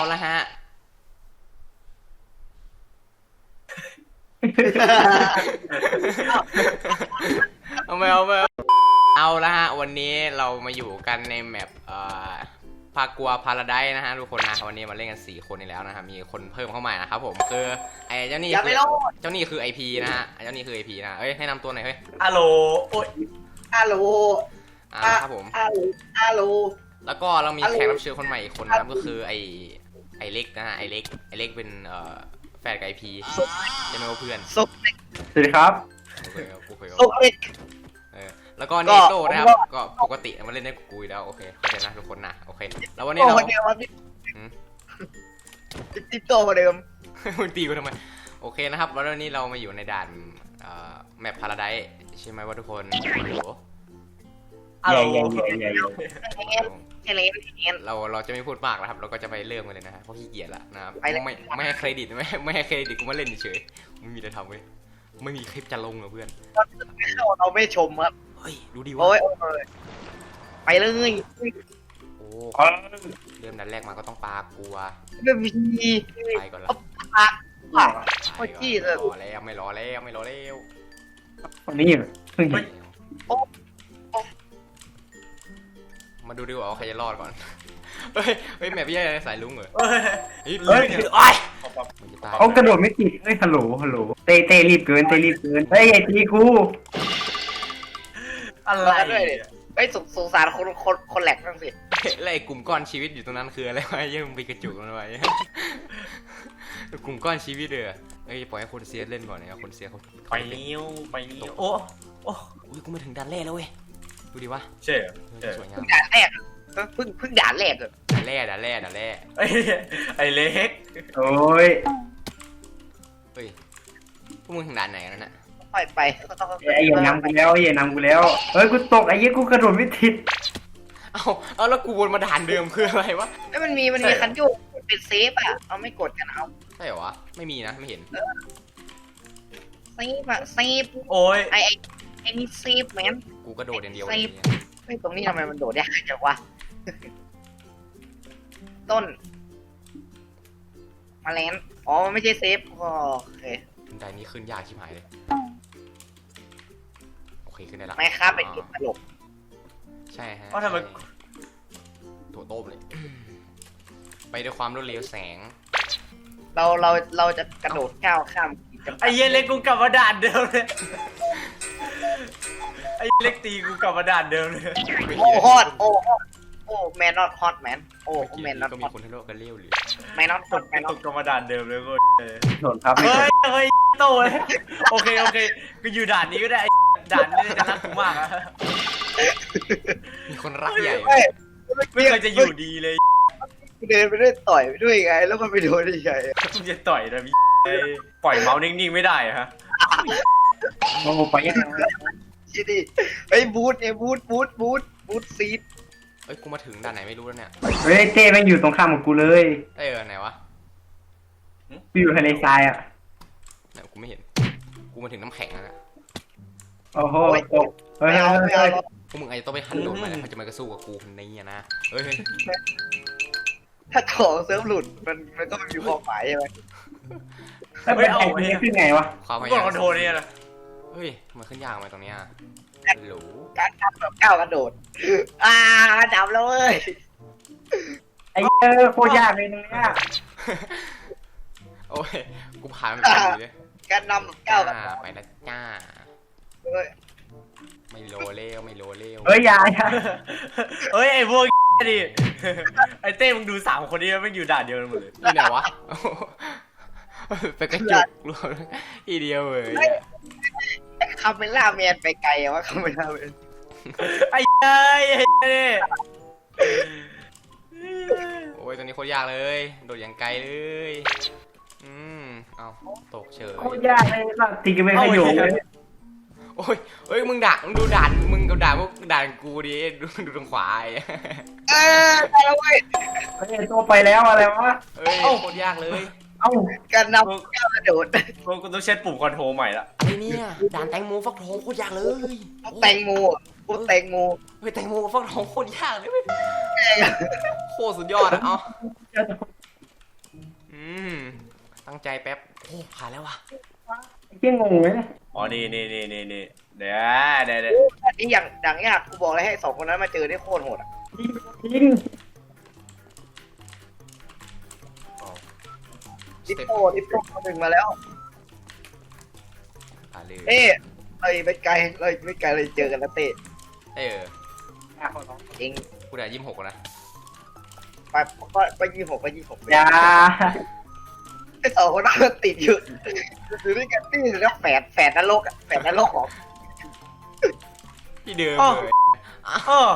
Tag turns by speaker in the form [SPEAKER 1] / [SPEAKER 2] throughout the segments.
[SPEAKER 1] ละฮะเอาละฮะวันนี้เรามาอยู่กันในแมปพากัวพาราไดซ์นะฮะทุกคนนะวันนี้มาเล่นกัน4 คนอีกแล้วนะครับมีคนเพิ่มเข้ามานะครับผมคือไอ้เจ้านี่คือ IP นะฮะเจ้านี่คือ IP นะเอ้ยให้นำตัวหน่อยเฮ้ย
[SPEAKER 2] ฮัลโหลโอ้ย
[SPEAKER 3] ฮัลโหล
[SPEAKER 1] ครับผม
[SPEAKER 3] ฮัลโหล
[SPEAKER 1] แล้วก็เรามีแขกรับเชิญคนใหม่อีกคนนะครับก็คือไอเล็กนะฮะไอเล็กเป็นแฟนกับ IP จะไม่ว่าเพื่อน
[SPEAKER 3] ส
[SPEAKER 2] วัสดีครับ
[SPEAKER 3] ุกเล็ก
[SPEAKER 1] แล้วก็เนโต้นะครับก็ปกติมาเล่นได้กูแล้วโอเคเข้าใจนะทุกคนนะโอเคแล้ววันนี้เรา
[SPEAKER 3] ติดโตกว่าเดิม
[SPEAKER 1] มึงตีกูทำไมโอเคนะครับแล้ววันนี้เรามาอยู่ในด่านแมปพาราไดซ์ใช่ไหมว่าทุกคนเราจะไม่พูดมากนะครับเราก็จะไปเริ่มกันเลยนะเพราะขี้เกียจละนะครับไม่ให้เครดิตไม่ให้เครดิตกูมาเล่นเฉยไม่มีอะไรทำเว้ยไม่มีคลิปจะลงเหรอเพื่อน
[SPEAKER 3] เราไม่ชมครับ
[SPEAKER 1] เฮ้ยดูดีวะ
[SPEAKER 3] ไปเลย
[SPEAKER 1] โอ้เริ่มดันแรกมาก็ต้องปลากลัวไปก่อนละ
[SPEAKER 3] ปลา
[SPEAKER 1] ไปก่อนรอแล้วไม่รอแล้ว
[SPEAKER 2] วันนี้
[SPEAKER 1] มาดูดีกว่าใครจะรอดก่อนเฮ้ยแม่พี่สายลุงเหรอ
[SPEAKER 2] เขากระโดดไม่ติดเฮ้ยฮัลโหลเต้รีบเกินเฮ้ยไอ้ตีกู
[SPEAKER 3] อะไรไอ้สงสารคนแหลกนั่งสิ
[SPEAKER 1] แล้วไอ้กลุ่มก้อนชีวิตอยู่ตรงนั้นคืออะไรวะยังมีกระจุกมันไว้กลุ่มก้อนชีวิตเด้อเอ้ยปล่อยให้คนเสียเล่นก่อนเนี่ยคนเสียเขา
[SPEAKER 2] ไปนิ้วโอ้
[SPEAKER 1] กูมาถึงด่านแรกแล้วเว้ยดูดิวะ
[SPEAKER 2] ใช่
[SPEAKER 1] สวยงาม
[SPEAKER 3] ด่านแรกเพิ่งด่านแรกเลย
[SPEAKER 1] ด่านแรก
[SPEAKER 2] ไอ้เล็กโอ้ย
[SPEAKER 1] เฮ้ยพวกมึงถึงด่านไหนกันน่ะ
[SPEAKER 3] ไป
[SPEAKER 2] ไอ้ยังนำกูแล้วเฮ้ยกูตกไอ้ยี่กูกระโดดไม่ติด
[SPEAKER 1] เอาแล้วกูวนมาด่านเดิมคืออะไรวะ
[SPEAKER 3] ไอ้มันมีคันโยกเป็นเซฟอ่ะเอาไม่กดกันเอา
[SPEAKER 1] ใช่เหรอวะไม่มีนะไม่เห็น
[SPEAKER 3] เซฟ
[SPEAKER 2] โอ้ย
[SPEAKER 3] ไอ้นี่เซฟแมน
[SPEAKER 1] กูกระโดดอย่างเดียว
[SPEAKER 3] ไม่ตรงนี้ทำไมมันโดดยากจังวะต้นมาแลนอ๋อไม่ใช่เซฟโอเค
[SPEAKER 1] ด่านนี้ขึ้นยากชิบหายเลยโอเคขึ้นได้ละ
[SPEAKER 3] ไม่ครับเป็นตลก
[SPEAKER 1] ใช่ฮะ
[SPEAKER 2] ว่าทำไม
[SPEAKER 1] ถั่วต้มเลยไปด้วยความรวดเร็วแสง
[SPEAKER 3] เราจะกระโดดก้าวข้าม
[SPEAKER 2] ไอ้เล็กกูกลับมาด่านเดิมเลยไอ้เล็กตีกูกลับมาด่านเดิมเลย
[SPEAKER 3] โอ้ฮอตโอ้แมนนอตฮอตแมนโอ้แมนนอต
[SPEAKER 1] ก็มีคนทะเลาะกันเลี้ยวหรือ
[SPEAKER 3] แมนนอตฮอตแมนนอต
[SPEAKER 2] กลับมาด่านเดิมเลยกูโดนครับเฮ้ยโตเลยโอเคกูอยู่ด่านนี้ก็ได้ด่านนี้จะรักกูมากอะ
[SPEAKER 1] มีคนรักใหญ่
[SPEAKER 2] ไม่เคยจะอยู่ดีเลย
[SPEAKER 3] เดินไปด้วยต่อยไปด้วยไงแล้วมันไปโดนได้ไง
[SPEAKER 2] มึงจะต่อยนะพี่ปล่อยเมาส์นิ่งๆไม่ได้ฮะโอ้ไปยังไง
[SPEAKER 3] ชิดิไอ้บูทเนี่ยบูทซีด
[SPEAKER 1] เอ้ยกูมาถึงด่านไหนไม่รู้แล้วเนี่ย
[SPEAKER 2] เฮ้ยเต้แม่งอยู่ตรงข้ามกับกูเลย
[SPEAKER 1] ไหนวะ
[SPEAKER 2] กูอยู่ทะเลทรายอ่ะ
[SPEAKER 1] เนี่ยกูไม่เห็นกูมาถึงน้ำแข็งแล้วนะ
[SPEAKER 2] โอ้โหเฮ้ย
[SPEAKER 1] พวกมึงอาจจะต้องไปหันโดนมาแล้วเขาจะมากระสู้กับกูคนนี้นะเฮ้ย
[SPEAKER 3] ถ้าของเซิร์ฟหลุดมันก็ไม่มีความหมายใช่ไหม
[SPEAKER 2] ไม่เอาเนี่ยขึ้นไงวะ
[SPEAKER 1] ความหมาย
[SPEAKER 2] คอนโทรเนี่ยนะ
[SPEAKER 1] เฮ้ยมันขึ้นยากไหมตรงนี้หรู
[SPEAKER 3] การทำแบบก้าวกระโดดจับแล้วเว้ย
[SPEAKER 2] ไอ้โคตรยากเลยตรงนี้
[SPEAKER 1] โอ้ยกูผ่านมันไปเลย
[SPEAKER 3] การนำแบบก้าวกระโดด
[SPEAKER 1] ไปนะจ้าไม่โลเลี้ยว
[SPEAKER 2] เฮ้ยยาเฮ้ยไอ้พวกดิไอ้เต้มึงดู3 คนนี้มันอยู่ด่านเดียวกันหมดเลย
[SPEAKER 1] นี่ไหนวะไปกระจุกรวมอีเดียวเลย
[SPEAKER 3] คาเมล่าแมนไปไกลอะวะคาเมล่าแมน
[SPEAKER 2] ไอ้
[SPEAKER 1] โอ้ยตัวนี้โคตรยากเลยโดดอย่างไกลเลยเอาตกเฉย
[SPEAKER 2] โคตรยากเลยสักทีก็ไม่ขยับเลย
[SPEAKER 1] โอ้ยเฮ้ยมึงดูด่านมึงกับด่านพวกด่านกูดิดูตรงขวา
[SPEAKER 3] ไปแล้วเว้ย
[SPEAKER 2] ตัวไปแล้วอะไรวะ
[SPEAKER 1] เฮ้ยโคตรยากเลย
[SPEAKER 3] การนำก้าวกระโดด
[SPEAKER 2] กูต้องเช็ดปุ่มคอนโทรลใหม่ละ
[SPEAKER 1] ไอ้เนี่ยด่านแตงโมฟักทองโคตรยากเลย
[SPEAKER 3] แตงโมเฮ้ยแตงโม
[SPEAKER 1] ฟักทองโคตรยากเลยโคตรสุดยอดอ่ะใจแป๊บโอ้ผ่านแล้ววะ
[SPEAKER 4] เที่ยงงเลยนะ
[SPEAKER 2] อ๋อนี่เดี๋ยว
[SPEAKER 3] นี่อย่างยากกูบอกเลยให้สองคนนั้นมาเจอได้โคตรโหดอ่ะ
[SPEAKER 4] ทิ้ง
[SPEAKER 3] ดิปโป้คนหนึ่งมาแล้ว
[SPEAKER 1] ผ่านเลย
[SPEAKER 3] เอ้เลยไม่ไกลเลยเจอกันแล้วเต้ เอง
[SPEAKER 1] กูได้26นะ
[SPEAKER 3] ไป26
[SPEAKER 4] อย่า
[SPEAKER 3] ไอ้สองคนนั้นมันติดอยู่ด้วยกันนี่แล้วแฝดนรกแฝดนรกของ
[SPEAKER 1] ที่เดิม
[SPEAKER 2] อ๋อ
[SPEAKER 1] เลย
[SPEAKER 2] อ๋อ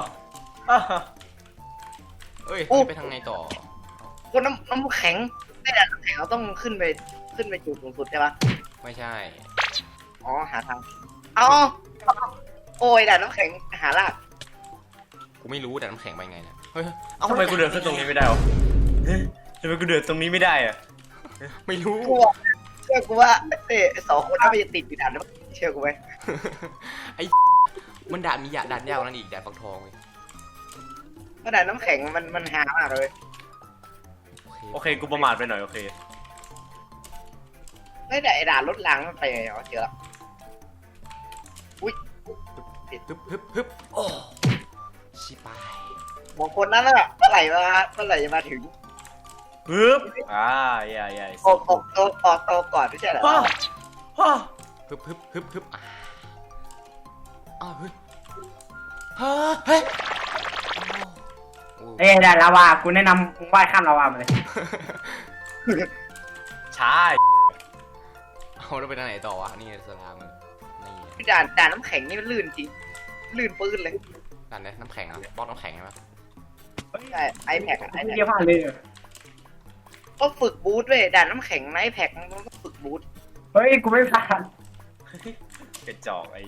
[SPEAKER 1] เอ้ยไปทางไหนต่อ
[SPEAKER 3] คนน้ำแข็งได้แต่น้ำแข็งเราต้องขึ้นไปจุดสูงสุดใช่ปะ
[SPEAKER 1] ไม่ใช่
[SPEAKER 3] อ๋อหาทางอ๋อโอ้ยด่านน้ำแข็งหาลาก
[SPEAKER 1] กูไม่รู้แต่น้ำแข็งไปไงเนี่ยเฮ้ย
[SPEAKER 2] ทำไมกูเดินขึ้นตรงนี้ไม่ได้วะทำไมกูเดินตรงนี้ไม่ได้อะ
[SPEAKER 1] ไม่รู้
[SPEAKER 3] กูบอกเชื่อกูว่าเต้สองคนนั้นมันจะติดอยู่ด่านน้ำเชื่อกูไหม
[SPEAKER 1] ไอ้มันด่านมีด่านยากกว่านั้นอีกด่านฟักทองเลย
[SPEAKER 3] เพราะด่านน้ำแข็งมันหามากเลย
[SPEAKER 2] โอเคกูประมาทไปหน่อยโอเค
[SPEAKER 3] ไม่แต่ไอ้ด่านรถรางมันไปไงวะเจอละอุ้ย
[SPEAKER 1] ฮึบโอ้ชิบาย
[SPEAKER 3] บอกคนนั้นน่ะเมื่อไหร่จะมาถึง
[SPEAKER 2] ปึ๊บอย่า
[SPEAKER 3] ออกตัวก่อนไม่ใช่เหรอ
[SPEAKER 1] ฮึบอ้าวเฮ้ยเฮ้ย
[SPEAKER 4] เอ้ยได้ลาวากูแนะนำมึงว่ายข้ามลาวามาเลย
[SPEAKER 2] ช้า
[SPEAKER 1] เอาแล้วไปทางไหนต่อวะนี่สลามนี่
[SPEAKER 3] ด่านน้ำแข็งนี่มันลื่นจริงลื่นปื้นเลย
[SPEAKER 1] ด่านไหนน้ำแข็งอ่ะบล็อกน้ำแข็งใช่ไหม
[SPEAKER 3] ใช่ไอแพค
[SPEAKER 4] ไม่เกี่ยวผ่านเลย
[SPEAKER 3] ก็ฝึกบูทเว้ยด่านน้ำแข็งไอแพคมันก็ฝึกบูท
[SPEAKER 4] เฮ้ยกูไม่ผ่าน
[SPEAKER 2] กระจอกไอ้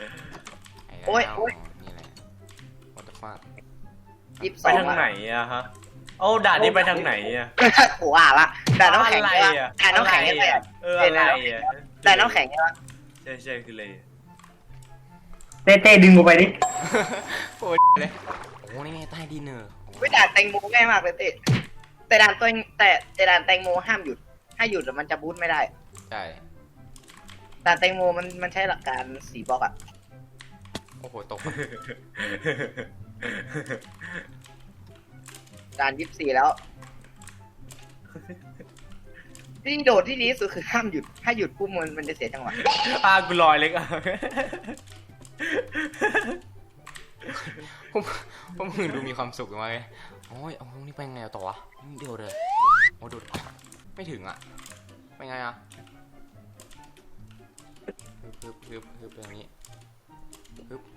[SPEAKER 1] นี่แหละ what the fuck
[SPEAKER 2] ไปทางไหนอะฮะเอาด่านนี้ไปทางไหนอะ
[SPEAKER 3] โอ้อ่ะละด่านน้ำแข็ง
[SPEAKER 2] อะไร
[SPEAKER 3] ใช่
[SPEAKER 2] อะ
[SPEAKER 3] ด่านน้ำแข็งใช่ไหม
[SPEAKER 2] อะไรอะ
[SPEAKER 3] ด่านน้ำแข็งใช่ไหม
[SPEAKER 2] ใช่คือเลย
[SPEAKER 4] เต้ดึงกูไปดิ
[SPEAKER 1] โอ้ยเลยโอ้นี่ไงใต้ดินเนอร์
[SPEAKER 3] วิด่านแตงโมง่ายมากเลยเต้แต่ด่านตัวแต่ด่านแตงโมห้ามหยุดถ้าหยุดมันจะบูทไม่ได้
[SPEAKER 1] ใช่
[SPEAKER 3] ด่านแตงโมมันใช้หลักการ4 บล็อกอะ
[SPEAKER 1] โอ้โหตก
[SPEAKER 3] ด่าน24แล้วที่โดดที่ดีที่สุดคือห้ามหยุดถ้าหยุดปุ๊บมันจะเสียจังหวะ
[SPEAKER 2] กูลอยเล็กอะ
[SPEAKER 1] ผมมึงดูมีความสุขมากเลยโอ้ยเอานี่ไปไงต่อวะเดี๋ยวเลยโอ้ดูไม่ถึงอ่ะไปไงอ่ะฮึบตรงนี้ฮึบ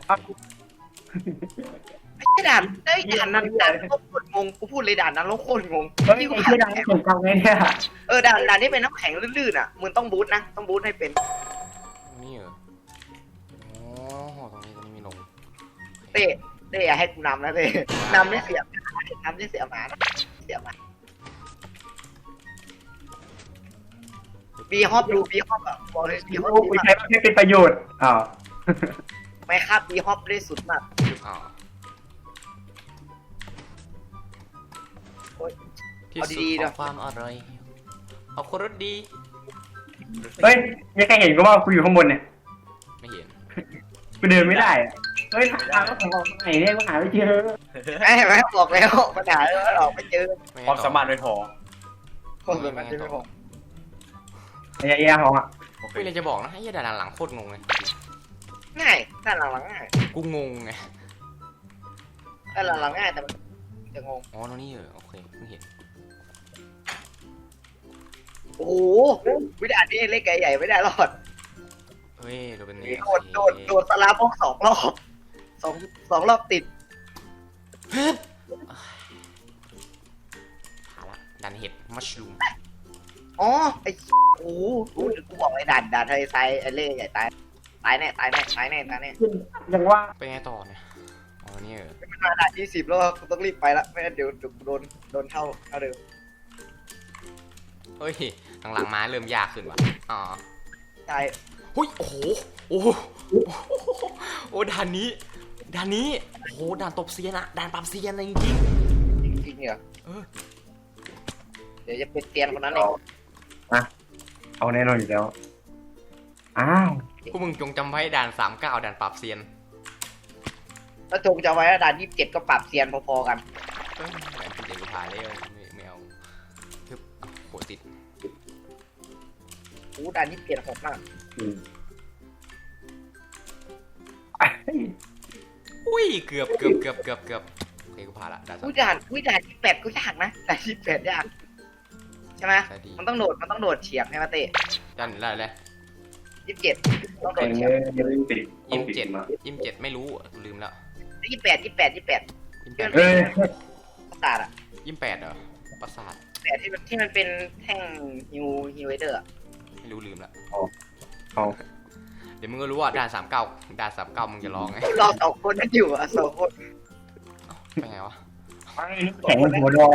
[SPEAKER 3] ไอ้ด่านนั้นโคตรงงกูพูดเลยด่านนั้นแล้วโคตรงง
[SPEAKER 4] เฮ้ยไอ้ที่ดังผมทำไงเนี่ย
[SPEAKER 3] ด่านที่เป็นน้ำแข็งลื่นๆอ่ะมึงต้องบูทนะต้องบูทให้เป็น
[SPEAKER 1] นี่เหรอโอ้ตรงนี้มีลง
[SPEAKER 3] เต้อย่าให้กูนำนะเต้นำไม่เสียหมานะเสียหมาบีฮอปอ่ะบอกเลยบีฮอป
[SPEAKER 4] กูใช้ไม่เป็นประโยชน์อ้าว
[SPEAKER 3] ไม่ครับบีฮอปได้สุดมาก
[SPEAKER 1] ฮึบที่สุดของความอร่อยเอาคนรสดี
[SPEAKER 4] เฮ้ยมีใครเห็นกูว่ากูอยู่ข้างบนเนี่ย
[SPEAKER 1] ไม่เห็น
[SPEAKER 4] กูเดินไม่ได้เฮ้ยทางก็ของไหนเนี่ยกูหาไม่เจอ
[SPEAKER 3] ไม่บอกแล้วปัญหาเราออกไม่เจอ
[SPEAKER 2] ความสามารถไม่พอ
[SPEAKER 3] คนแบบนั้นไม่พอ
[SPEAKER 4] ไอ้ยาของอ่ะ
[SPEAKER 1] ไม่เลยจะบอกนะไอ้ด่านหลังโคตรงงเลย
[SPEAKER 3] ง่ายด้านหลังง่าย
[SPEAKER 1] กูงงไง
[SPEAKER 3] ด้านหลังง่ายแต่มันจะงง
[SPEAKER 1] อ๋อตรงนี้เหรอโอเคเพิ่งเห็น
[SPEAKER 3] โอ้โหวิดานี้เล็กใหญ่ไม่ได้รอด
[SPEAKER 1] เฮ้ยดูเป็นนี่
[SPEAKER 3] โดดสลาพวก2 รอบ2 รอบติด
[SPEAKER 1] ฮึบผ่านละดันเห็ดมัชรูม
[SPEAKER 3] อ๋อไอ้โอ้โหกูบอกไอ้ด่านทะเลทรายไอ้เล่ใหญ่ตายแน่
[SPEAKER 4] ยังว่า
[SPEAKER 1] ไปไงต่อเนี่ยอ๋อนี่เหรอ
[SPEAKER 3] มันมาด่าน20แล้วกูต้องรีบไปละไม่งั้นเดี๋ยวโดนเท่าเดิม
[SPEAKER 1] เฮ้ยหลังๆมาเริ่มยากขึ้นว่ะอ๋อ
[SPEAKER 3] ใช่
[SPEAKER 1] เฮ้ยโอ้โหโอ้โหโอ้ด่านนี้โอ้โหด่านตบเซียนอะด่านปรับเซียนอะไรจริง
[SPEAKER 3] จริงเหรอเดี๋ยวจะเป็นเตียนคนนั้นเอง
[SPEAKER 4] เอาแน่นอนอยู่แล้วอ้าว
[SPEAKER 1] พวกมึงจงจำไว้ด่าน39ด่านปราบเซียน
[SPEAKER 3] แล้วจงจะไว้ว่าด่าน27ก็ปรับเซียนพอๆกัน
[SPEAKER 1] เอ้ยด่านที่เด็กกูผ่านเลยไม่เอาทึบโหติด
[SPEAKER 3] อู้ด่าน27โหดมาก
[SPEAKER 4] อืม
[SPEAKER 1] อุ้ยเกือบโอเคกูผ่านละด่าน
[SPEAKER 3] อู้ด่าน28ก็ยากนะด่าน28ยากใช่ไหม
[SPEAKER 1] ใช่ดี
[SPEAKER 3] มันต้องโดดเฉียงให้มาเตะ
[SPEAKER 1] ด่านอะไรเลย
[SPEAKER 3] 27ต้องโด
[SPEAKER 4] เอ็
[SPEAKER 3] ด
[SPEAKER 4] ง
[SPEAKER 3] เฉียง
[SPEAKER 4] เลยติด
[SPEAKER 1] 27ไม่รู้ลืมแล้ว
[SPEAKER 3] 28
[SPEAKER 4] เอ้ย
[SPEAKER 3] ประสาทอ่ะ
[SPEAKER 1] 28เหรอประสาท
[SPEAKER 3] แต่ที่มันเป็นแท่งฮิวเวเดอร์
[SPEAKER 1] ไม่รู้ลืมละ
[SPEAKER 4] เอา
[SPEAKER 1] เดี๋ยวมึงก็รู้ว่าด่าน39มึงจะร้องไง
[SPEAKER 3] เราสองคนนั่นอยู่อ่ะสองคน
[SPEAKER 1] ไปไงวะ
[SPEAKER 4] แข็งหัวดอ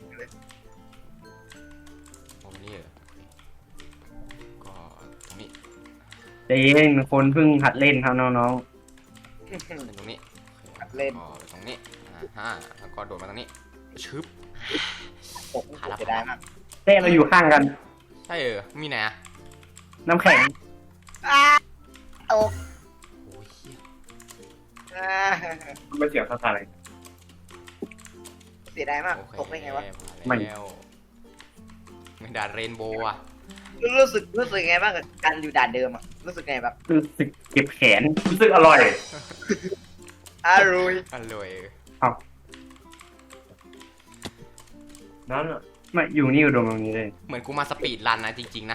[SPEAKER 1] โอ้นี่เหรอก็ตรงนี้
[SPEAKER 4] เองคนเพิ่งหัดเล่นครับน้อง
[SPEAKER 1] เป็นตรงนี้
[SPEAKER 3] เล่น
[SPEAKER 1] ก็ตรงนี้แล้วก็โดดมาตรงนี้ชึบ
[SPEAKER 3] ตกจะได้มาก
[SPEAKER 4] ๆเต้เราอยู่ข้างกัน
[SPEAKER 1] ใช่มีไหนอะ
[SPEAKER 4] น้ำแข็ง
[SPEAKER 3] ตก
[SPEAKER 1] โอ้ยเหี้ย
[SPEAKER 4] ไม่เสียภาษาอะไร
[SPEAKER 3] เสียดายมาก
[SPEAKER 1] โอเค
[SPEAKER 3] ตกได้ไงวะ
[SPEAKER 4] ไม่
[SPEAKER 1] แล้วไม่ด่านเรนโบว์อะ
[SPEAKER 3] รู้สึกไงบ้างกับการอยู่ด่านเดิมอ่ะรู้สึกไงแบบ
[SPEAKER 4] รู้สึกเจ็บแขนรู้สึกอร่อย
[SPEAKER 3] อร่อย
[SPEAKER 1] อร่อย
[SPEAKER 4] นั่นอ่ะมาอยู่นี่อยู่ตรงนี้เลย
[SPEAKER 1] เหมือนกูมาสปีดรันนะจริงๆนะ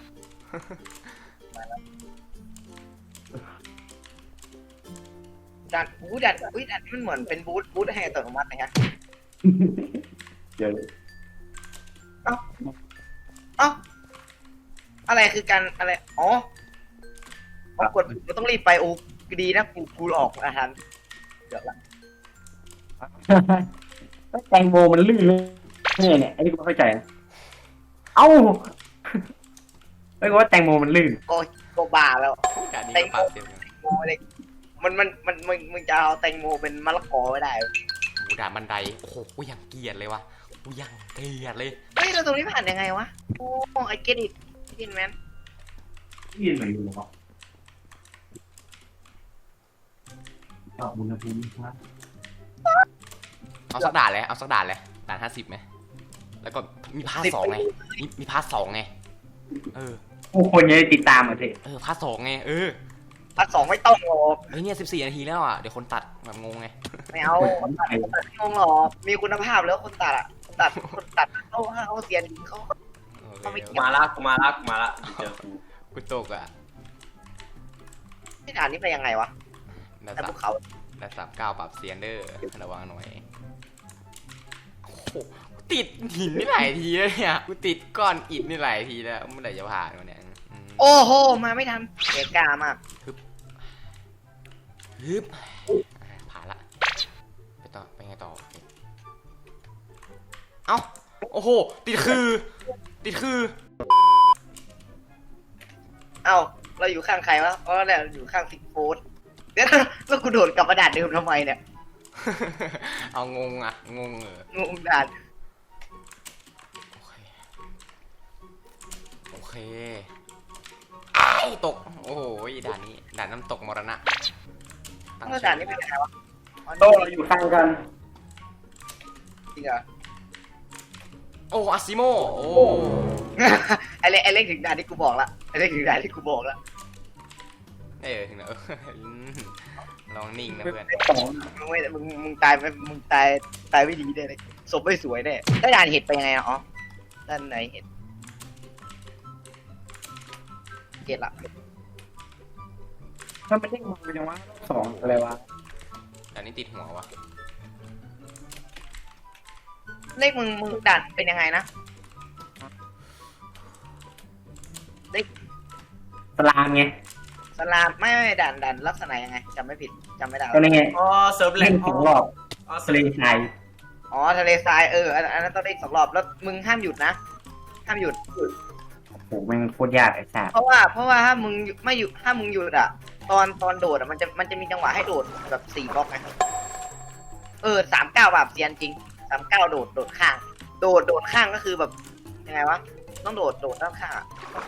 [SPEAKER 3] ด่านมันเหมือนเป็นบูธให้อัตโนมัตินะฮะ
[SPEAKER 4] เดี๋ยว
[SPEAKER 3] เอ้าอะไรคือการอะไรอ๋อกดมันต้องรีบไปโอ้ดีนะกูออกอาหารเดี๋ยวละ
[SPEAKER 4] แตงโมมันลื่นเลยเนี่ยไอ้นี่กูไม่เข้าใจนะเอ้าไม่รู้ว่าแตงโมมันลื่น
[SPEAKER 3] ก็บ้าแล้ว
[SPEAKER 1] ด่านนี้ก็ปราบเซียนกัน
[SPEAKER 3] โมอะไรมันจะเอาแตงโมเป็นมะละกอไม่ได้
[SPEAKER 1] โอ้ด่านบันไดโอ้โหกูยังเกลียดเลยวะกูยังเกลียดเลย
[SPEAKER 3] เฮ้ยเราตรงนี้ผ่านยังไงวะโอ้ไอเกดิตกินแมน
[SPEAKER 4] ยื่นเหมือนอยู่หรอปรับอุณหภูมิครับ
[SPEAKER 1] เอาสักด่านเลยด่าน50ไหมแล้วก็มีพาร์ท2ไงมีพาร์ท2ไง
[SPEAKER 4] ผู้คนจะได้ติดตามอ่ะสิ
[SPEAKER 1] พาร์ท2ไง
[SPEAKER 3] พาร์ท 2ไม่ต้องหรอก
[SPEAKER 1] เฮ้ยเนี่ย14นาทีแล้วอ่ะเดี๋ยวคนตัดแบบงงไง
[SPEAKER 3] ไม่เอาคนตัดไม่งงหรอกมีคุณภาพแล้วคนตัดอ่ะคนตัดเขาเสียนเขา
[SPEAKER 1] โอเค
[SPEAKER 2] กูมาละเจอกู
[SPEAKER 1] กูตกอ่ะ
[SPEAKER 3] ที่ฐานนี้ไปยังไงวะ
[SPEAKER 1] ด่าน
[SPEAKER 3] แต่ภูเขา
[SPEAKER 1] 39ปรับเซียนเดอร์ระวังหน่อยโอ้โหกูติดหินนี่หลายทีแล้วเนี่ยกูติดก้อนอิฐนี่หลายทีแล้วเมื่อไหร่จะผ่านวะเนี่ย
[SPEAKER 3] โอ้โหมาไม่ทันเสียกามาก
[SPEAKER 1] ฮึบผ่านละไปไงต่อเอ้าโอ้โหติดคือ
[SPEAKER 3] เอ้าเราอยู่ข้างใครวะเพราะเราอยู่ข้างซิกโฟสเดี๋ยวแล้วกูโดดกลับมาด่านเดิมทำไมเนี่ย
[SPEAKER 1] เอางงงง
[SPEAKER 3] งงด่าน
[SPEAKER 1] โอเคไอ้ตกโอ้โหด่านนี้ด่านน้ำตกมรณะ
[SPEAKER 3] แล้วด่านนี้เป็นยังไงวะ
[SPEAKER 4] โต๊ะเราอยู่ข้างกัน
[SPEAKER 3] จริงเหรอ
[SPEAKER 1] โอ้อาซิโมโอ้
[SPEAKER 3] ไอเล็กถึงด่านที่กูบอกละไอเล็กถึงด่านที่กูบอกละ
[SPEAKER 1] ถึงแล้วลองนิ่งนะเพื่อน
[SPEAKER 3] มึงตายไปมึงตายไม่ดีแน่เลยศพไม่สวยแน่ได้ด่านเห็ดไปยังไงอ๋อด้านไหนเห็ดเห็ดละ
[SPEAKER 4] ถ้าไม่ได้มาเป็นยังวะสองอะไรวะ
[SPEAKER 1] ด่านนี้ติดหัววะ
[SPEAKER 3] เลขมึงด่านเป็นยังไงนะ
[SPEAKER 4] สลามไง
[SPEAKER 3] สลามไม่ด่านลักษณะยังไงจำไม่ผิดจำไม่ได้
[SPEAKER 4] ก็นี่ไง
[SPEAKER 2] อ๋อเซิร์ฟแหล
[SPEAKER 4] เล่
[SPEAKER 2] ก
[SPEAKER 4] นสองรอบ
[SPEAKER 2] อ๋อ
[SPEAKER 4] ทะเลทราย
[SPEAKER 3] อ๋อทะเลทรายอันนั้นต้องเล่น2 รอบแล้วมึงห้ามหยุดนะห้ามหยุด
[SPEAKER 4] โอ้โหแม่งโคตรยากไอ้สัส
[SPEAKER 3] เพราะว่าถ้ามึงไม่หยุดถ้ามึงหยุดอ่ะตอนโดดอ่ะมันจะมีจังหวะให้โดดแบบ4 บล็อกไง39แบบเซียนจริง39โดดข้างโดดข้างก็คือแบบยังไงวะต้องโดดด้านข้าง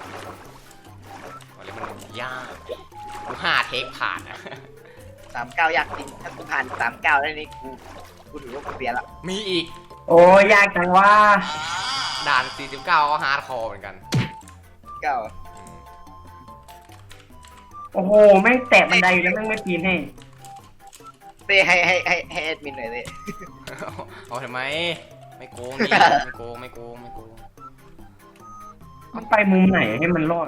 [SPEAKER 1] อะไรมันยากกู5 เทคผ่านนะ
[SPEAKER 3] 39ยากจริงถ้ากูผ่าน39ได้นี่กูถือว่ากูเปลี่ยนละ
[SPEAKER 1] มีอีก
[SPEAKER 4] โอ้ยากจังว่า
[SPEAKER 1] ด่าน49ก็ฮาร์ดคอร์เหมือนกัน
[SPEAKER 3] เก้า
[SPEAKER 1] อืม
[SPEAKER 4] โอ้โหแม่งแตะบันไดอยู่แล้วแม่งไม่ปีนให้
[SPEAKER 3] เต้ให้แอดมินหน่อยเต้
[SPEAKER 1] เอาทำไมไม่โกงนี่ไม่โกง
[SPEAKER 4] มันไปมุมไหนให้มันรอด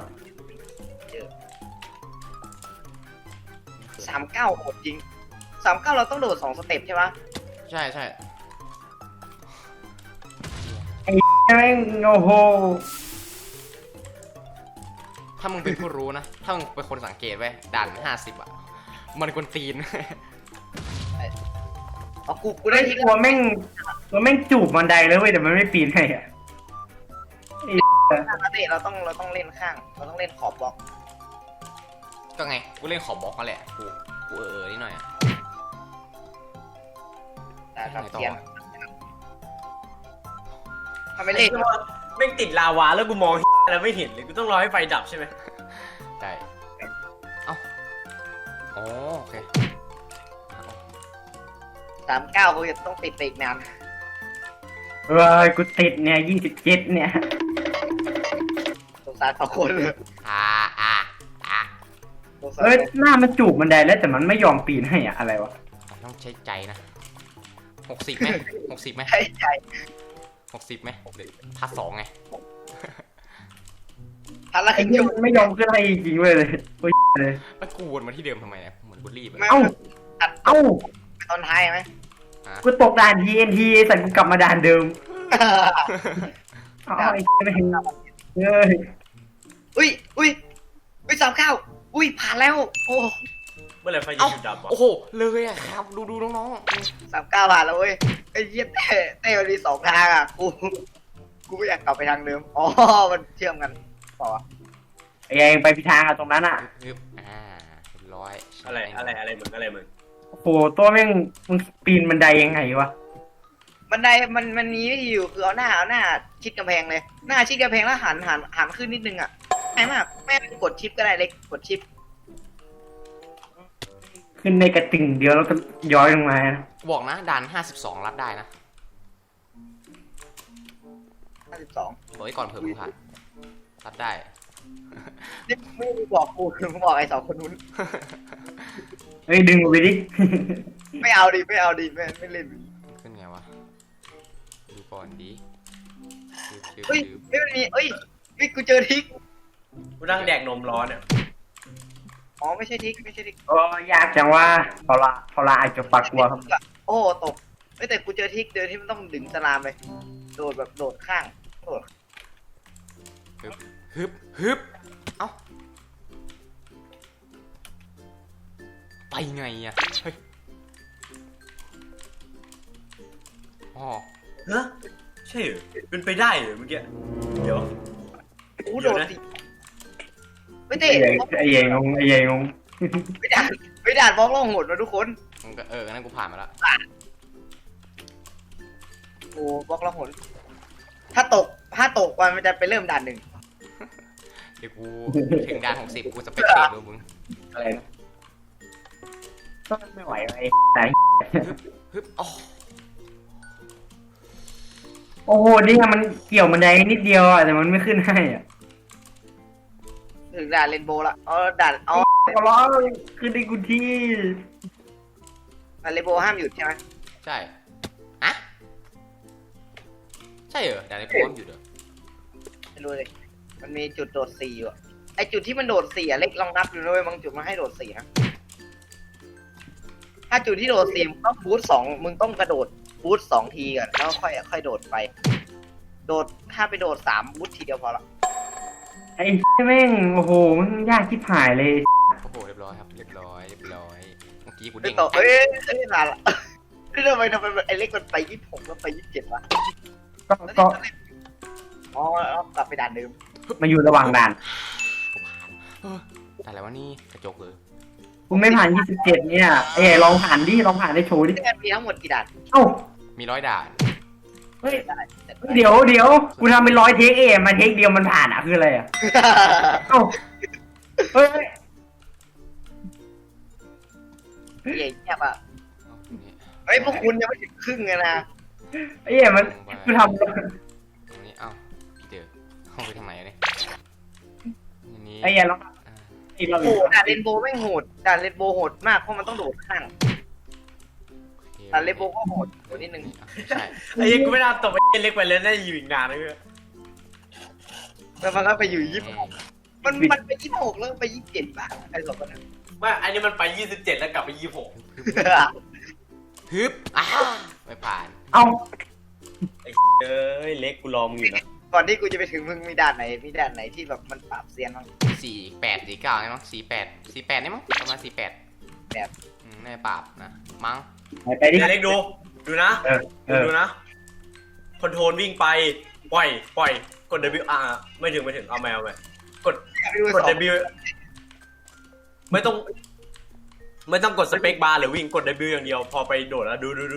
[SPEAKER 3] 39โหดจริง39เราต้องโดด2สเต็ปใช่ปะ
[SPEAKER 1] ใช่ใช่
[SPEAKER 4] แม่งโอ้โห
[SPEAKER 1] ถ้ามึงเป็นผู้รู้นะ ถ้ามึงเป็นคนสังเกตไว้ด่าน50อ่ะมันกวนตีน
[SPEAKER 3] เอากูได้ที่
[SPEAKER 4] ตัวแม่งจูบบันไดเลยเว้ยแต่มันไม่ปีนให้อะ
[SPEAKER 3] เต้เราต้องเล่นข้างเราต้องเล่นขอบบล็อก
[SPEAKER 1] ก็ไงกูเล่นขอบบล็อกกันแหละกูนิดหน่อยอ่ะ
[SPEAKER 3] แต่ครับเทียนทำไมเล่น
[SPEAKER 2] แม่งติดลาวาแล้วกูมองแล้วไม่เห็นเลยกูต้องรอให้ไฟดับใช่ไหม
[SPEAKER 1] ได้เอ้าโอเค
[SPEAKER 3] 39กูจะต้องติดไปอีกนาน
[SPEAKER 4] เฮ้ยกูติดเนี่ย27เนี่ย
[SPEAKER 3] สงสาร2 คนเลย
[SPEAKER 1] อ่า
[SPEAKER 3] สงสาร
[SPEAKER 4] เอ้ยหน้ามันจูบบันไดแล้วแต่มันไม่ยอมปีนให้อะอะไรวะ
[SPEAKER 1] ต้องใช้ใจนะ60ไหม60ไหม
[SPEAKER 3] ใช่ใจ
[SPEAKER 1] 60ไหมเดี๋ยวพาร์ท2ไง
[SPEAKER 3] ทันละ
[SPEAKER 4] ไอ้
[SPEAKER 3] ครึ่ง
[SPEAKER 4] นี่
[SPEAKER 3] ชั่วโมง
[SPEAKER 4] มันไม่ยอมขึ้นให้จริงๆเว้ยเลยโอ้ยเลย
[SPEAKER 1] แล้วกูวนมาที่เดิมทำไมเนี่ยเหมือนกูรีบอะ
[SPEAKER 3] ไม่
[SPEAKER 4] เอ้า
[SPEAKER 3] ตัด
[SPEAKER 4] เอ้า
[SPEAKER 3] ตอนท้ายไหม
[SPEAKER 4] กูตกด่าน TNT สัตว์กูกลับมาด่านเดิมเอาไอ้ไม่เห็นเฮ้ย
[SPEAKER 3] อุ้ย39อุ้ยผ่านแล้วโอ้
[SPEAKER 2] เมื่อไหร่ไฟจะหยุดดับวะ
[SPEAKER 1] โอ้โหเลยอะครับดูน้อง
[SPEAKER 3] 39ผ่านแล้วเว้ยไอ้เยี่ยเต้มันมี2ทางอ่ะกูไม่อยากกลับไปทางเดิมอ๋อมันเชื่อมกันต่อ
[SPEAKER 4] ไอ้เองไปพิธางอะตรงนั้นอะ
[SPEAKER 1] ๆฮึบเรียบร้อย
[SPEAKER 2] อะไรมึง
[SPEAKER 4] โอ้โหตัวแม่งมึงปีนบันไดยังไงวะ
[SPEAKER 3] บันไดมันมีวิธีอยู่คือเอาหน้าชิดกำแพงเลยหน้าชิดกำแพงแล้วหันขึ้นนิดนึงอ่ะง่ายมากแม่กดชิปก็ได้เล็กกดชิป
[SPEAKER 4] ขึ้นในกระติ่งเดียวแล้วก็ย้อยลงมานะ
[SPEAKER 1] บอกนะด่าน52รับได้นะ
[SPEAKER 3] 52
[SPEAKER 1] บอกไว้ก่อนเผื่อมึงผ่านรับได้
[SPEAKER 3] นี่ไม่บอกกูคือมึงบอกไอ้2 คนนู้น
[SPEAKER 4] เฮ้ยดึงไปดิ
[SPEAKER 3] ไม่เอาดิไม่เล่น
[SPEAKER 1] ขึ้นไงวะดูก่อนดี
[SPEAKER 3] เฮ้ยไม่มันมีเอ้ยกูเจอทิก
[SPEAKER 2] กูนั่งแดกนมร้อนเนี่ย
[SPEAKER 3] อ๋อไม่ใช่ทิก
[SPEAKER 4] โอ้ยากจังว่าพอละอาจจะปักกลัวครับ
[SPEAKER 3] โอ้ตกแต่กูเจอทิกเดินที่มันต้องดึงสลามไปโดดแบบโดดข้างโดด
[SPEAKER 1] ฮึบเอ้าไปไงอะเฮ้ยอ๋อ
[SPEAKER 2] ฮะใช่เหรอเป็นไปได้เหรอเมื่อกี้เดี๋ยว
[SPEAKER 3] กูโดดสิไม่เตะ
[SPEAKER 4] ไอ้เย่งงไอ้เย่งง
[SPEAKER 3] ไม่ด่านบล็อกล่องหนนะทุกคน
[SPEAKER 1] งั้นก็งั้นกูผ่านมาแล้ว
[SPEAKER 3] โอ้บล็อกล่องหนถ้าตกมันจะไปเริ่มด่าน 1
[SPEAKER 1] เดี๋ยวกูถึงด่าน60กูจะไปเทรดดูมึง
[SPEAKER 4] อะไรนะก็ไม่ไหวไอ้ไหน
[SPEAKER 1] ฮึบอ๋อ
[SPEAKER 4] โอ้โหนี่มันเกี่ยวบันไดนิดเดียวอะแต่มันไม่ขึ้นให้อ่ะ
[SPEAKER 3] ถึงด่านเรนโบว์ละด่าน
[SPEAKER 4] ขอร้องขึ้นได้กูที่
[SPEAKER 3] เรนโบว์ห้ามหยุดใช่ไหม
[SPEAKER 1] ใช่อะใช่เหรอด่านในโพสอยู่เด้อ
[SPEAKER 3] ไม่รู้เลยมันมีจุดโดด4อยู่ไอจุดที่มันโดด4เล็กลองนับดูด้วยบางจุดมันให้โดด4นะถ้าจุดที่โดด4มึงต้องบูท2มึงต้องกระโดดบูท2ทีก่อนแล้วค่อยโดดไปโดดถ้าไปโดด3บูททีเดียวพอละ
[SPEAKER 4] ไอ้แม่งโอ้โหมันยากที่ผายเลย
[SPEAKER 1] โอ้โหเรียบร้อยครับเรียบร้อยเมื่อกี้กู
[SPEAKER 3] ไม่
[SPEAKER 1] เด้ง
[SPEAKER 3] ต่อนานละคือทำไมไอเล็กมันไป26แล้วไป27วะ
[SPEAKER 4] ก็
[SPEAKER 3] อ๋อกลับไปด่านเดิม
[SPEAKER 4] มาอยู่ระหว่างด่าน
[SPEAKER 1] กูผ่านแต่อะไรวะนี่กระจกเลย
[SPEAKER 4] กูไม่ผ่าน27เนี่ยไอ้ลองผ่านดิลองผ่านได้โชว์ดิ
[SPEAKER 3] ที่มันมีทั้งหมดกี่ด่าน
[SPEAKER 4] เอ้า
[SPEAKER 1] มี100ด่าน
[SPEAKER 4] เฮ้ยเดี๋ยวกูทำเป็น100 เทคมาเทคเดียวมันผ่านอ่ะคืออะไรอ่ะเอ้าเฮ้ย
[SPEAKER 3] เหี้ยเงียบอ่ะเฮ้ยพวกคุณยังไม่ถึงครึ่งเลยนะ
[SPEAKER 4] ไอ้เหี้ยมันกูทำ
[SPEAKER 1] ตรงนี้เอ้าพี่เจอเข้าไปทางไหนเนี่ยนี่
[SPEAKER 4] ไอ้เหี้ยลองอีกรอบ
[SPEAKER 3] โอ้ด่านเรนโบว์ไม่งโหดด่านเรนโบว์โหดมากเพราะมันต้องโดดข้างด่านเรนโบว์ก็โหดกว่านิดนึง
[SPEAKER 1] ใช่
[SPEAKER 2] ไอ้เหี้ยกูไม่น่าตบไอ้เล็กไปเลยน่าจะอยู่อีกนานเลยเว้ย
[SPEAKER 3] แล้วมันก็ไปอยู่26มันไป26แล้วไป27บ้างไอ้สองคนนั้น
[SPEAKER 2] ไม่อันนี้มันไป27แล้วกลับไป26
[SPEAKER 1] ฮึบไม่ผ่าน
[SPEAKER 4] เอ้า
[SPEAKER 2] ไอ้เอ้ยเล็กกูรอมึงอยู่นะ
[SPEAKER 3] ก่อนที่กูจะไปถึงมึงมีด่านไหนที่แบบมันปราบเซียนบ้าง
[SPEAKER 1] 48 49ใช่มั้ง48นี่มั้งประมาณ48
[SPEAKER 3] แบบ
[SPEAKER 1] ในปราบนะมั้ง
[SPEAKER 4] ไปดิ
[SPEAKER 2] เล็กดูนะ ดูนะคอนโทรลวิ่งไปปล่อยกด W R ไม่ถึงเอาแมวไปกด W ไม่ต้องกดสเปคบาร์หรือวิ่งกด W อย่างเดียวพอไปโดดแล้วดู
[SPEAKER 1] ดู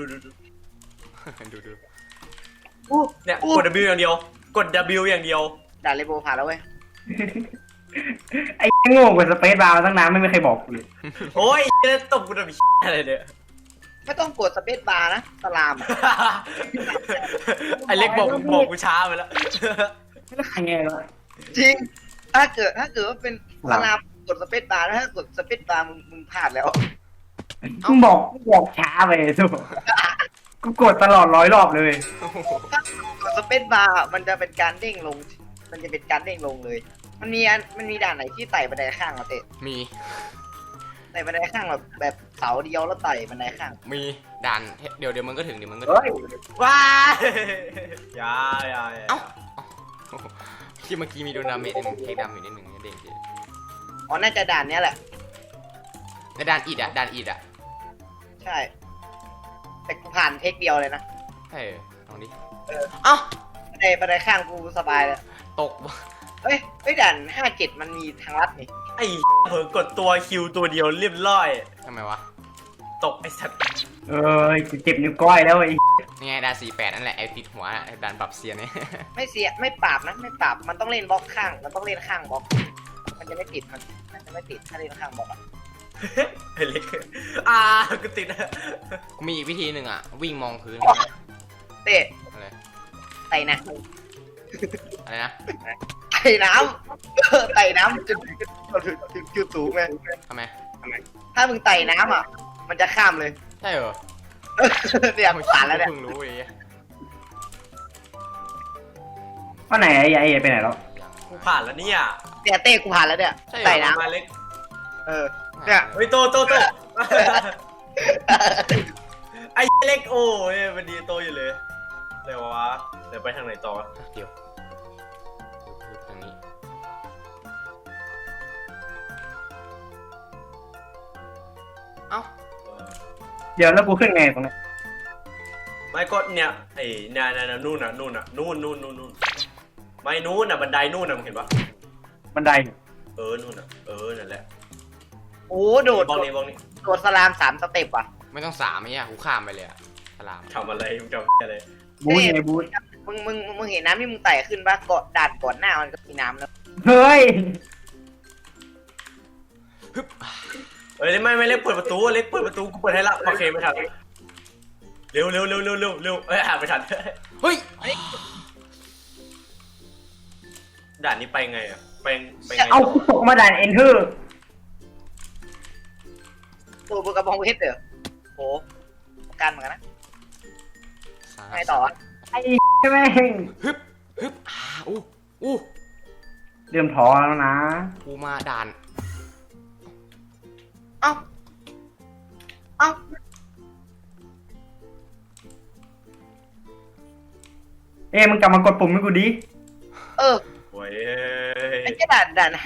[SPEAKER 2] เนี่ยกด W อย่างเดียวกด W อย่างเดียว
[SPEAKER 3] ด่านเรนโบว์ผ่านแล้วเว้ย
[SPEAKER 4] ไอ้โง่กว่าสเปซบาร์มาตั้งนานไม่มีใครบอกกูเลย
[SPEAKER 2] โอ้ยตบกูทำอะไรเนี่ย
[SPEAKER 3] ไม่ต้องกดสเปซบาร์นะสลามอะ
[SPEAKER 2] ไอเล็กบอกกูช้าไปแล้ว
[SPEAKER 4] แล้วใครไงวะ
[SPEAKER 3] จริงถ้าเกิดว่าเป็นสลามกดสเปซบาร์นะถ้ากดสเปซบาร์มึงพลาดแล้ว
[SPEAKER 4] มึงบอกช้าไปทุกกูกดตลอด100 รอบเลย
[SPEAKER 3] กดสเปซบาร์มันจะเป็นการเด้งลง มันจะเป็นการเด้งลงเลย มันมีด่านไหนที่ไต่บันไดข้างมาเตะ
[SPEAKER 1] มี
[SPEAKER 3] ไต่บันไดข้างแบบเสาเดียวแล้วไต่บันไดข้าง
[SPEAKER 1] มีด่านเดี๋ยวมึงก็ถึงมึงก็ถึ
[SPEAKER 4] เฮ้ย
[SPEAKER 1] ง
[SPEAKER 2] ว้ายอย่า
[SPEAKER 1] เอ้าที่เมื่อกี้มีโดนดาเมจนิดนึงเทคดาเมจนิดนึงเด้งที
[SPEAKER 3] อ๋อน่าจะด่านเนี้ยแหละ
[SPEAKER 1] ในด่านอิดอ่ะ
[SPEAKER 3] ใช่ แต่กูผ่านเทคเดียวเลยนะ
[SPEAKER 1] ใช่ลองดิเอ้า
[SPEAKER 3] บันไดข้างกูสบายเลย
[SPEAKER 1] ตก
[SPEAKER 3] เฮ้ยด่าน57มันมีทางลัดนี่
[SPEAKER 2] ไอ้เผลอกดตัวคิวตัวเดียวเรียบร้อย
[SPEAKER 1] ทำไมวะ
[SPEAKER 2] ตกไอ้สัตว์
[SPEAKER 4] เจ็บนิ้วก้อยแล้วไอ้
[SPEAKER 1] นี่ไงด่าน48นั่นแหละไอ้ติดหัวไอ้ด่านปรับเซียนเนี่ย
[SPEAKER 3] ไม่ปราบนะไม่ปราบมันต้องเล่นบล็อกข้างมันต้องเล่นข้างบล็อกมันจะไม่ติดมันจะไม่ติดถ้าเล่นข้างบล็อกอะ
[SPEAKER 2] ไอ้เล็กกูติด
[SPEAKER 1] กูมีอีกวิธีหนึ่งอ่ะวิ่งมองพื้น
[SPEAKER 3] เตะ
[SPEAKER 1] อะไร
[SPEAKER 3] ไต่น้
[SPEAKER 1] อะไรนะ
[SPEAKER 3] ำไต่น้ำไต่น้ำจนถึงจุดสูงไง
[SPEAKER 1] ทำไม
[SPEAKER 3] ถ้ามึงไต่น้ำอ่ะ มันจะข้ามเลย
[SPEAKER 1] ใช่เหรอ
[SPEAKER 3] เนี่ยผ่านแล้วเนี่ย
[SPEAKER 1] เพิ่งรู้เลย
[SPEAKER 4] ว่าไหนไอ้ไปไหนแล้ว
[SPEAKER 2] กูผ่านแล้วเนี่ย
[SPEAKER 3] เนี่ยเต้กูผ่านแล้วเนี่ยไต่น้
[SPEAKER 2] มาเล็ก
[SPEAKER 3] ำเนี่ย
[SPEAKER 2] เฮ้ยโตไอ้เล็กโอ้ยมันดีโตอยู่เลยเดี๋ยววะเดี๋ยวไปทางไหนต่อ
[SPEAKER 1] เดี๋ยวทางนี้เอ้า
[SPEAKER 4] เดี๋ยวแล้วกูขึ้นไงตรงนี้
[SPEAKER 2] ไม่ก็เนี่ยไอ้เนี่ยนู่นไม่นู่นบันไดนู่นมึงเห็นปะ
[SPEAKER 4] บันได
[SPEAKER 2] นู่นนั่นแหละ
[SPEAKER 3] โอ้โดด
[SPEAKER 2] บ้องนี้
[SPEAKER 3] โดดสลาม3 สเต็ปอ่ะ
[SPEAKER 1] ไม่ต้อง3ไอ้เนี่ยกูข้ามไปเลยอะสลาม
[SPEAKER 2] ทำอะไรมึงทำอะไร
[SPEAKER 4] บูธไงบูธ
[SPEAKER 3] มึงเห็นน้ำที่มึงไต่ขึ้นปะเกาะด่านก่อนหน้ามันก็มีน้ำแล้ว
[SPEAKER 4] เฮ้ย
[SPEAKER 1] ฮึบ
[SPEAKER 2] ไม่เล็กเปิดประตูเล็กเปิดประตูกูเปิดให้ละโอเคไม่ทันเร็วไม่ทัน
[SPEAKER 1] เฮ้ย
[SPEAKER 2] ด่านนี้ไปไงอ่ะไปไง
[SPEAKER 4] เอากูตกมาด่านเอนเทอร์
[SPEAKER 3] ตัวกระบองเพชรเหรอโหกันเหมือนกันนะไงต่อวะ
[SPEAKER 4] ไอ้แม่ง
[SPEAKER 1] ฮึบอู้
[SPEAKER 4] เริ่มท้อแล้วนะ
[SPEAKER 1] กูมาด่าน
[SPEAKER 3] เอ้าเอ้า
[SPEAKER 4] มึงกลับมากดปุ่มให้กูดิ
[SPEAKER 3] โอ้ยไอ้แค่ด่าน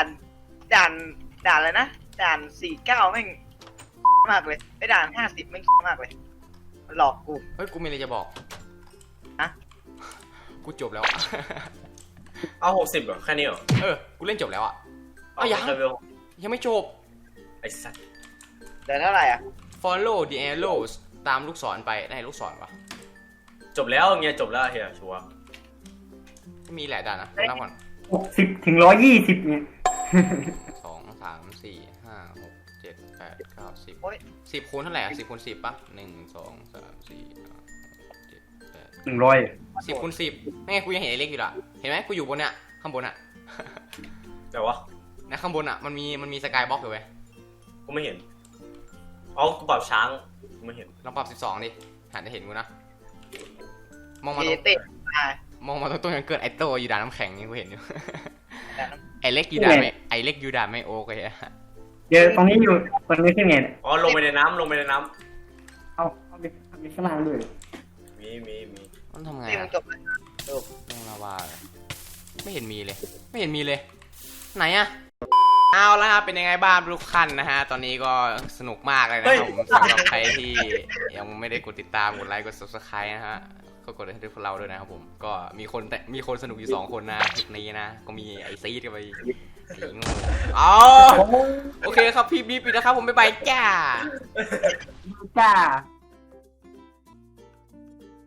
[SPEAKER 3] อะไรนะด่าน49แม่งมากเลยไอ้ด่าน50แม่งมากเลยมันหลอกกู
[SPEAKER 1] เฮ้ยกูมีอะไรจะบอก
[SPEAKER 3] ฮะ
[SPEAKER 1] กูจบแล้ว
[SPEAKER 2] เอา60เหรอแค่นี้เหรอ
[SPEAKER 1] กูเล่นจบแล้วอ่ะ
[SPEAKER 2] เอา
[SPEAKER 1] ยังไม่จบ
[SPEAKER 2] ไอ้สัตว์
[SPEAKER 3] เดือนเท่าไหร่อ่ะ
[SPEAKER 1] follow the arrows ตามลูกศรไปได้ลูกศรวะ
[SPEAKER 2] จบแล้วเงี้ยจบแล้วเฮียชัวร์
[SPEAKER 1] มีหลายด่านนะนับก่อน
[SPEAKER 4] 60 ถึง 120เนี่ย
[SPEAKER 1] 2 3 4 5 6 7 8 9 10
[SPEAKER 3] โอ้ย
[SPEAKER 1] 10 คูณเท่าไหร่อ่ะ10 คูณ 10ป่ะ1 2 3 4 5 7 8
[SPEAKER 4] 100
[SPEAKER 1] 10 คูณ 10ไม่ไงกูยังเห็นไอ้เล็กอยู่ล่ะเห็นไหมกูอยู่บนเนี่ยข้างบนอ่ะ
[SPEAKER 2] แต่ว่า
[SPEAKER 1] นะข้างบนอ่ะมันมีสกายบล็อกอยู่เว้ย
[SPEAKER 2] กูไม่เห็นอ๋อกูปรับช้างกูไม่เห็น
[SPEAKER 1] ลองปรับ12ดิหันจะเห็นกูนะมองมา
[SPEAKER 3] เอ
[SPEAKER 1] ตรง
[SPEAKER 3] เต้อ่าม
[SPEAKER 1] องมาตรงยังเกิดไอโตอยู่ด่านน้ำแข็งนี่กูเห็นอยู่
[SPEAKER 3] แต่น้
[SPEAKER 1] ไอเล็กอยู่ด่านไม่ไอเล็กอยู่ด่านไม่โอเคอะ
[SPEAKER 4] เดี๋ยวตรงนี้อยู่ตรงนี้ขึ้นไงเนี่ย
[SPEAKER 2] อ๋อลงไปในน้ำลงไปในน้
[SPEAKER 4] เอาไปข้างล่างด้วย
[SPEAKER 2] ำมี
[SPEAKER 1] มันทำ
[SPEAKER 3] ำ
[SPEAKER 1] ไง
[SPEAKER 3] เต้มึ
[SPEAKER 1] อะ
[SPEAKER 3] งจบเลย
[SPEAKER 1] ลงลาวาเลยไม่เห็นมีเลย ไม่เห็นมีเลย ไหนอะเอาละครับเป็นยังไงบ้างทุกท่านนะฮะตอนนี้ก็สนุกมากเลยนะครับผมสำหรับใครที่ยังไม่ได้กดติดตามกดไลค์กด subscribe นะฮะก็กดให้พวกเราด้วยนะครับผมก็มีคนสนุกอยู่2 คนนะคลิปนี้นะก็มีไอซีดกับไอสีงูอ๋อโอเคครับพี่บีปิดนะครับผมบ๊ายบายจ้า
[SPEAKER 4] จ้า